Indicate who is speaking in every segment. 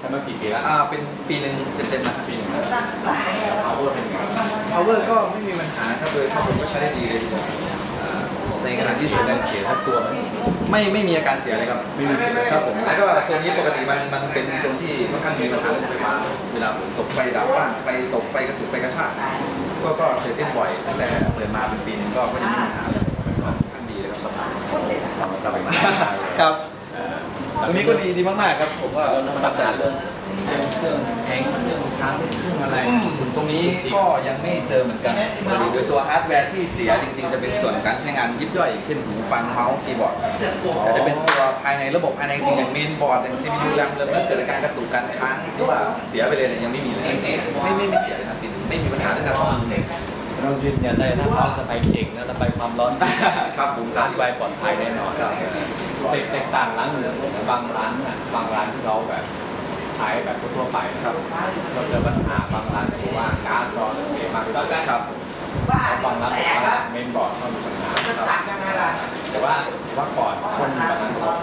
Speaker 1: ช้มากี่ปีแล้ว
Speaker 2: เป็นปีหนึ่งเต็มๆนะครับปีหนึ่ง
Speaker 1: power เป็นไง
Speaker 2: power ก็ไม่มีปัญหาครับโดยภาพรวมก็ใช้ได้ดีเลยในขณะที่ส่วนใหญ่เสียสักตัวไม่มีอาการเสียเลยครับไม่มีเสียครับผมแล้วก็โซนนี้ปกติมันเป็นโซนที่ค่อนข้างมีปัญหาเรื่องไฟฟ้าเวลาตกไฟดับบ้างไฟตกไฟกระตุกไฟกระชากก็เคยเต้นบ่อยตั้งแต่เปิดมาเป็นปีนึงก็ยังไม่มีปัญหาเลยค่อนข้างดีเลยครับสบายมากครับตรงนี้ก็ดีมากๆครับผมว่า
Speaker 1: ปัญหาเรื่องเครื่องแข็งเรื่องค้างเครื่องอะไร
Speaker 2: ตรงนี้ก็ยังไม่เจอเหมือนกันโดยตัวฮาร์ดแวร์ที่เสียจริงๆจะเป็นส่วนการใช้งานยิบย่อยเช่นหูฟังเมาส์คีย์บอร์ดแต่จะเป็นตัวภายในระบบภายในจริงอย่างเมนบอร์ดอย่าง CPU แรมเริ่มเกิดการกระตุกการค้างหรือว่าเสียไปเลยยังไม่มีเลยไม่เสียเลยครับไม่มีปัญหาเรื่องการซ่อม
Speaker 1: เรายืนยันได้ถ้าความสบายจริงนะระบายความร้อน
Speaker 2: ครับผม
Speaker 1: การระบายปลอดภัยแน่นอนแตกต่างร้านอื่นบางร้านที่เราแบบใช้แบบทั่วไปครับเราเจอปัญหาบางร้านที่ว่าการ์ดจอเสียมาก
Speaker 2: ครับ
Speaker 1: บางร้านบอกว่าเมนบอร์ดเขามีปัญหาแต่ว่าก่อนคนแบบนั้นเขา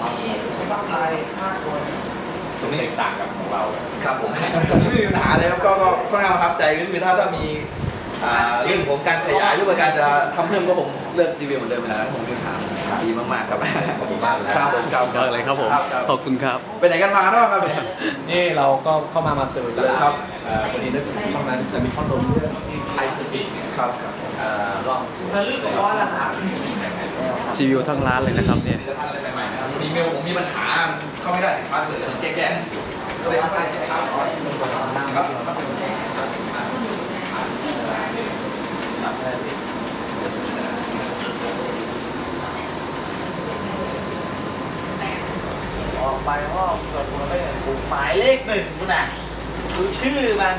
Speaker 1: ตรงนี้แตกต่างกับของเรา
Speaker 2: ครับผมไม่มีปัญหาเลยครับก็ค่อนข้างประทับใจก็คือถ้ามีเรื่องของการขยายหรือว่าการจะทำเพิ่มก็ผมเลือก GV เหมือนเดิมไปแล้วผมเป็นถามดีมากๆครับ
Speaker 1: ขอบคุณมากเลย
Speaker 2: ครับผมครับ
Speaker 3: เลยครับผมขอบคุณครับ
Speaker 2: ไปไหนกันมาเนาะครับ
Speaker 1: นี่เราก็เข้ามาเซอร์เลยครับวันนี้ช่องนั้นจะมีข้อมูลเรื่องที่ไทยสปีด
Speaker 2: ครับ
Speaker 1: ลอง
Speaker 2: ลื่นร้อนนะครับ
Speaker 3: รีวิวทั้งร้านเลยนะครับเนี่ย
Speaker 2: อีเมลผมมีปัญหาเข้าไม่ได้ถึงพาสเวิร์ดมันแก้ก็เลยไม่ได้ใช้ครับ
Speaker 4: ออกไปว่าเกิดคนไม่เห็นปุ่มหมายเลข1คุณน่ะดูชื่อมัน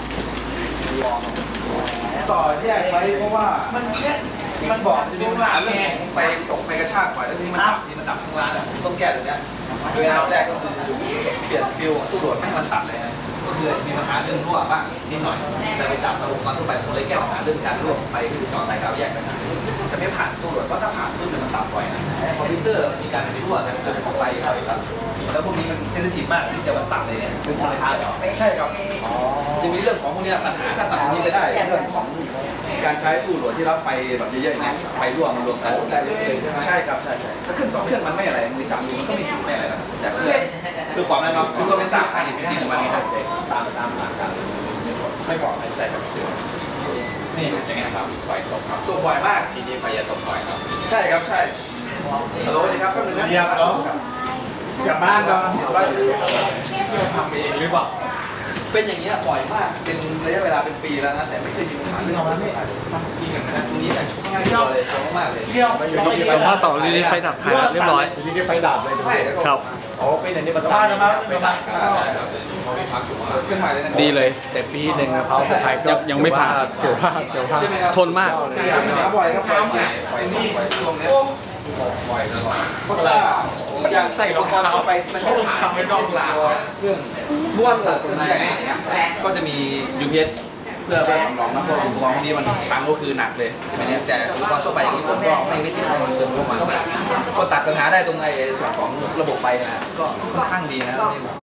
Speaker 2: ต่อแยกไว้เพราะว่ามันบอกจะมีปัญหาเรื่องของไฟตกไฟกระชากบ่อยแล้วที่มันดับทั้งร้านผมต้องแก้ตรงนี้โดยอันดับแรกก็คือเปลี่ยนฟิลตู้โหลดไม่ให้มันตัดเลยนะก็คือมีปัญหาเรื่องรั่วบ้างนิดหน่อยแต่ไปจับระบบมาทั่วไปผมเลยแก้ปัญหาเรื่องการรั่วไฟคือจอสายกาวแยกกันจะไม่ผ่านตู้โหลดเพราะถ้าผ่านตู้มันตัดบ่อยนะคอมพิวเตอร์มีการไปรั่วกันเกิดของไฟอะไรครับแล้วพวกนี้มันเซนซิทีฟมากที่จะมันตัดเลยเนี่ยซึ่งราคาใช่ครับจะมีเรื่องของพวกนี้ปัญหาถ้าตัดตรงนี้ไปได้เรื่องของการใช้ตู้โหลดที่รับไฟแบบเยอะๆเนี่ยไฟรั่วมันรวมกันได้เลยใช่ไหมใช่ครับใช่ถ้าเครื่อง2เครื่องมันไม่อะไรมันจับมันก็ไม่ถูกไม่อะไรนะแต่คือความนั้นเราคุณก็ไม่ทราบสาเหตุที่มันครับตามกันไม่บอกไม่ใช่ครับนี่อย่างเงี้ยครับไฟตกครับตกบ่อยมากทีนี้ไฟจะตกบ่อยครับใช่ครับใช่ฮัลโหลดีครับแป๊บนึงนะ
Speaker 4: เรียบร้อยกลับบ้านเรา
Speaker 2: ทำเองหรือเปล่าเป็นอย่างนี้บ่อยมากเป็นระยะเวลาเป็นปีแล้วนะแต่ไม่เคยมีปัญหาเรื่องความสะอาดกินอย่างนั้นตรงนี้เนี่ยง่ายเลยมากเลย
Speaker 3: สัมภาษณ์ต่อรีไฟดับถ่ายเรียบร้อย
Speaker 1: รีไฟดับเลย
Speaker 3: ครับ
Speaker 1: เป็นอย่างนี้ประจานนะ
Speaker 2: ไปดับขึ้นมาเลย
Speaker 3: ดีเลย
Speaker 1: แต่ปีหนึ่งเขาไฟ
Speaker 3: ยังไม่ผ่าน
Speaker 1: เกี่ยวพลาด
Speaker 3: ทนมาก
Speaker 2: บ่อยครับบ่อยนี่ช่วงนี้บ่อยตลอดเพราะอะไรอย่างใส่รองเท้าไปมันไม่ต้องทำไม่ต้องลาเครื่องบ้วนตรงไหนก็จะมี UPS เพื่อสำรองนะเพราะอุปกรณ์พวกนี้มันพังก็คือหนักเลยใช่ไหมเนี่ยแต่อุปกรณ์ทั่วไปอย่างนี้ผมก็ไม่ติดมันเติมเข้ามาก็ตัดปัญหาได้ตรงไอ้ส่วนของระบบไฟนะก็ค่อนข้างดีนะ